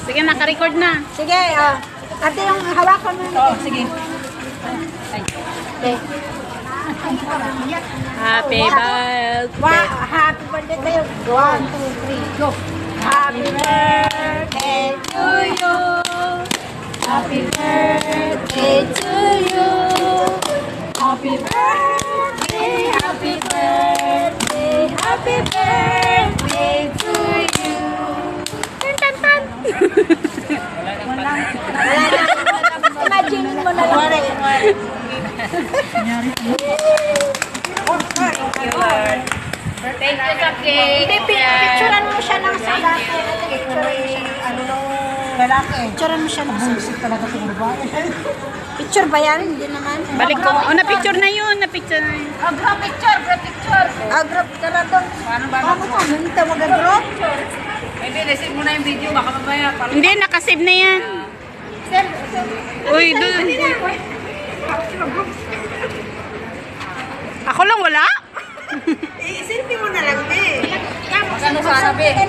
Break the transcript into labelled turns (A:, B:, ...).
A: Sige, naka-record na.
B: Sige, ate yung hawakan mo.
C: Oo, sige.
B: Okay.
A: Happy birthday.
B: Happy birthday kayo. 1, 2, 3, go. Happy birthday to you. Happy birthday to you. Happy birthday, happy birthday, happy birthday to you. Tan tan tan. Wala na. Imagine mo na lang.
C: Thank you sa cake.
B: Hindi, picturean mo siya ng salat. Picturean mo siya ng Picture ba yan? Hindi naman.
A: Balik ko. Oh, na-picture na yun. Na-picture na yun.
B: Group picture, group picture. Group ka na doon.
C: Paano ba?
B: Paano ka? Hindi ka mag-group?
C: Hindi, receive mo na yung video. Baka mamaya.
A: Hindi, nakasave na yan. Uy, doon. Ako lang wala?
B: Isilpi mo na lang, eh.
C: Magkano sasabi?